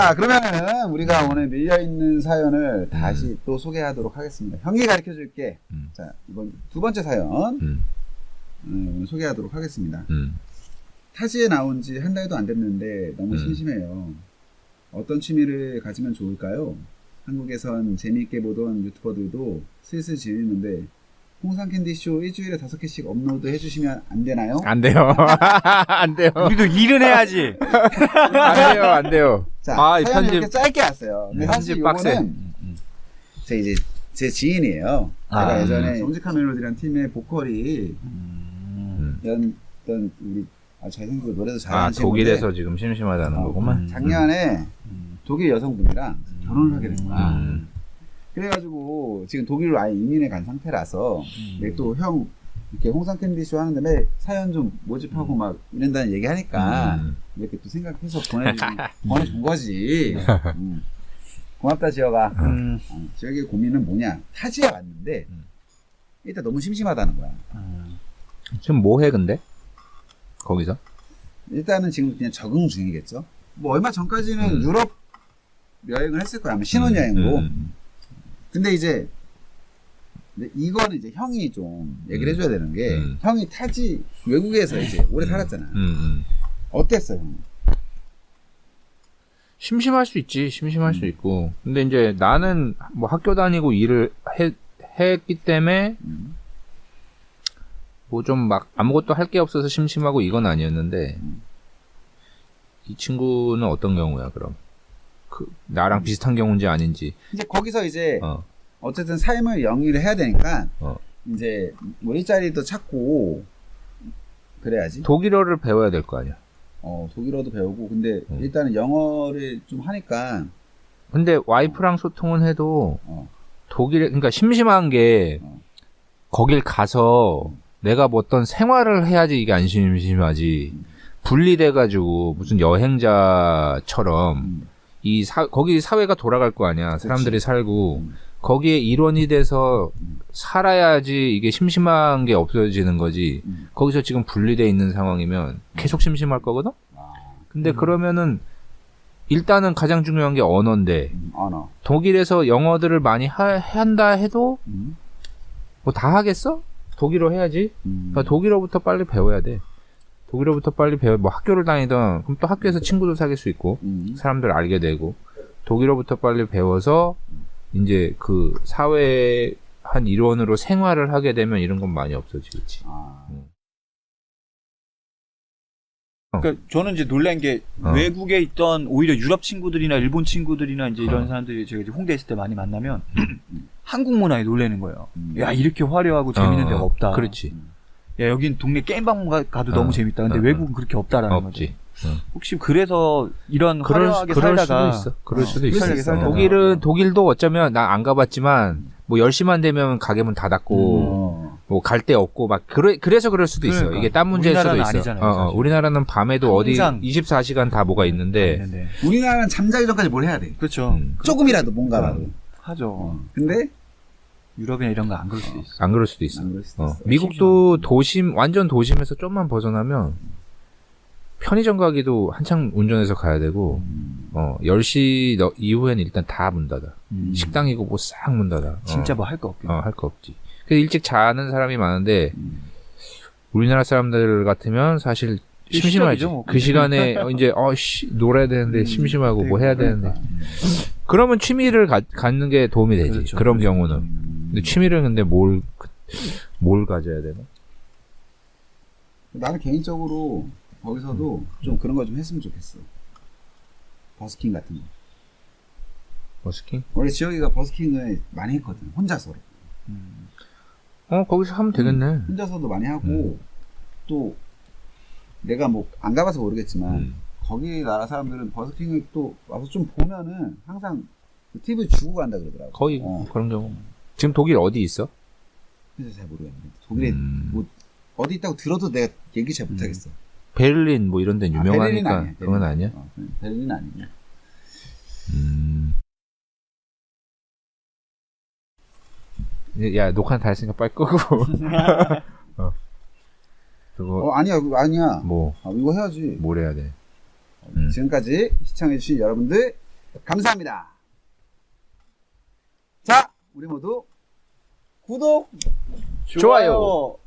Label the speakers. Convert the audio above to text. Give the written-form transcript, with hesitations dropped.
Speaker 1: 자, 그러면은 우리가 오늘 밀려있는 사연을 다시 또 소개하도록 하겠습니다. 형이 가르쳐 줄게. 자, 이번 두 번째 사연 소개하도록 하겠습니다. 타지에 나온 지 한 달도 안 됐는데 너무 심심해요. 어떤 취미를 가지면 좋을까요? 한국에선 재미있게 보던 유튜버들도 슬슬 질리는데 홍상캔디쇼 일주일에 5개씩 업로드 해주시면 안 되나요?
Speaker 2: 안 돼요. 안 돼요.
Speaker 3: 우리도 일은 해야지.
Speaker 2: 안 돼요. 안 돼요.
Speaker 1: 자,
Speaker 2: 아,
Speaker 1: 사연을
Speaker 2: 편집-
Speaker 1: 이렇게 짧게 왔어요. 근데 사실
Speaker 2: 편집 빡세.
Speaker 1: 요거는 제 지인이에요. 제가 예전에 정직한 멜로디라는 팀의 보컬이 였던 우리 잘생기고 노래도 잘하는 친구인데
Speaker 2: 독일에서 지금 심심하다는 거구만.
Speaker 1: 작년에 독일 여성분이랑 결혼을 하게 된 거야. 그래가지고 지금 독일로 아예 이민해 간 상태라서 또 형 이렇게 홍상캔디쇼 하는데 매 사연 좀 모집하고 막 이런다는 얘기 하니까 이렇게 또 생각해서 보내준 거지. 고맙다 지혁아. 지혁의 고민은 뭐냐? 타지에 왔는데 일단 너무 심심하다는 거야.
Speaker 2: 지금 뭐 해 근데? 거기서?
Speaker 1: 일단은 지금 그냥 적응 중이겠죠. 뭐 얼마 전까지는 유럽 여행을 했을 거야. 아마 신혼여행으로. 근데 이제 이거는 이제 형이 좀 얘기를 해줘야 되는 게 형이 타지 외국에서 이제 오래 살았잖아. 어땠어요, 형?
Speaker 2: 심심할 수 있지. 심심할 수 있고. 근데 이제 나는 뭐 학교 다니고 일을 했기 때문에 뭐 좀 막 아무것도 할 게 없어서 심심하고 이건 아니었는데 이 친구는 어떤 경우야 그럼? 나랑 비슷한 경우인지 아닌지.
Speaker 1: 이제 거기서 이제 어쨌든 삶을 영위를 해야 되니까 이제 뭐 일자리도 찾고 그래야지.
Speaker 2: 독일어를 배워야 될 거 아니야.
Speaker 1: 독일어도 배우고 근데 일단은 영어를 좀 하니까.
Speaker 2: 근데 와이프랑 소통은 해도 그러니까 심심한 게 거길 가서 내가 뭐 어떤 생활을 해야지 이게 안 심심하지. 분리돼가지고 무슨 여행자처럼 거기 사회가 돌아갈 거 아니야. 사람들이 살고 거기에 일원이 돼서 살아야지 이게 심심한 게 없어지는 거지. 거기서 지금 분리돼 있는 상황이면 계속 심심할 거거든. 근데 그러면은 일단은 가장 중요한 게 언어인데
Speaker 1: 언어.
Speaker 2: 독일에서 영어들을 많이 한다 해도 뭐 다 하겠어? 독일어 해야지. 그러니까 독일어부터 빨리 배워야 돼. 독일어부터 빨리 뭐 학교를 다니던 그럼 또 학교에서 친구도 사귈 수 있고 사람들 알게 되고 독일어부터 빨리 배워서 이제 그 사회의 한 일원으로 생활을 하게 되면 이런 건 많이 없어지겠지.
Speaker 3: 그러니까 저는 이제 놀란 게 외국에 있던 오히려 유럽 친구들이나 일본 친구들이나 이제 이런 사람들이 제가 이제 홍대 있을 때 많이 만나면 한국 문화에 놀라는 거예요. 야, 이렇게 화려하고 재밌는 데가 없다.
Speaker 2: 그렇지.
Speaker 3: 야, 여긴 동네 게임방 가도 너무 재밌다. 근데 외국은 그렇게 없다라는 거지. 혹시 그래서 이런 화려하게 살다가
Speaker 2: 그럴 수도 있어. 독일도 어쩌면 나 안 가봤지만 뭐 10시만 되면 가게 문 닫았고 뭐 갈 데 없고 막 그래서 그럴 수도 있어. 이게 딴 문제일 수도 있어.
Speaker 3: 아니잖아요,
Speaker 2: 우리나라는 밤에도 어디 24시간 다 뭐가 있는데
Speaker 1: 우리나라는 잠자기 전까지 뭘 해야 돼.
Speaker 3: 그렇죠.
Speaker 1: 조금이라도 뭔가라도
Speaker 3: 하죠.
Speaker 1: 근데
Speaker 3: 유럽이나 이런 거 안 그럴 수도 있어.
Speaker 2: 안 그럴 수도 있어. 미국도 완전 도심에서 좀만 벗어나면 편의점 가기도 한창 운전해서 가야 되고 10시 이후에는 일단 다 문 닫아. 식당이고 뭐 싹 문 닫아.
Speaker 3: 진짜 뭐 할 거 없겠네.
Speaker 2: 할 거 없지. 그래서 일찍 자는 사람이 많은데 우리나라 사람들 같으면 사실 심심하지.
Speaker 3: 뭐.
Speaker 2: 그 시간에 이제 놀아야 되는데 심심하고 뭐 해야 되는데 그러면 취미를 갖는 게 도움이 되지.
Speaker 3: 그렇죠.
Speaker 2: 그런 경우는. 근데 취미를 근데 뭘 가져야 되나?
Speaker 1: 나는 개인적으로 거기서도 좀 그런 거 좀 했으면 좋겠어. 버스킹 같은 거.
Speaker 2: 버스킹?
Speaker 1: 원래 지혁이가 버스킹을 많이 했거든. 혼자서.
Speaker 2: 거기서 하면 되겠네.
Speaker 1: 혼자서도 많이 하고 또 내가 뭐 안 가봐서 모르겠지만 거기 나라 사람들은 버스킹을 또 와서 좀 보면은 항상 그 팁을 주고 간다 그러더라고.
Speaker 2: 거의 그런 경우. 지금 독일 어디 있어?
Speaker 1: 그래서 잘 모르겠는데 독일에 뭐 어디 있다고 들어도 내가 얘기 잘 못하겠어.
Speaker 2: 베를린 뭐 이런 데는 유명하니까
Speaker 1: 아니야,
Speaker 2: 그건 아니야?
Speaker 1: 베를린 아니고.
Speaker 2: 야 녹화 다 했으니까 빨리 끄고. 그거
Speaker 1: 아니야
Speaker 2: 뭐
Speaker 1: 이거 해야지.
Speaker 2: 뭘 해야 돼?
Speaker 1: 지금까지 시청해주신 여러분들 감사합니다. 자, 우리 모두 구독,
Speaker 2: 좋아요.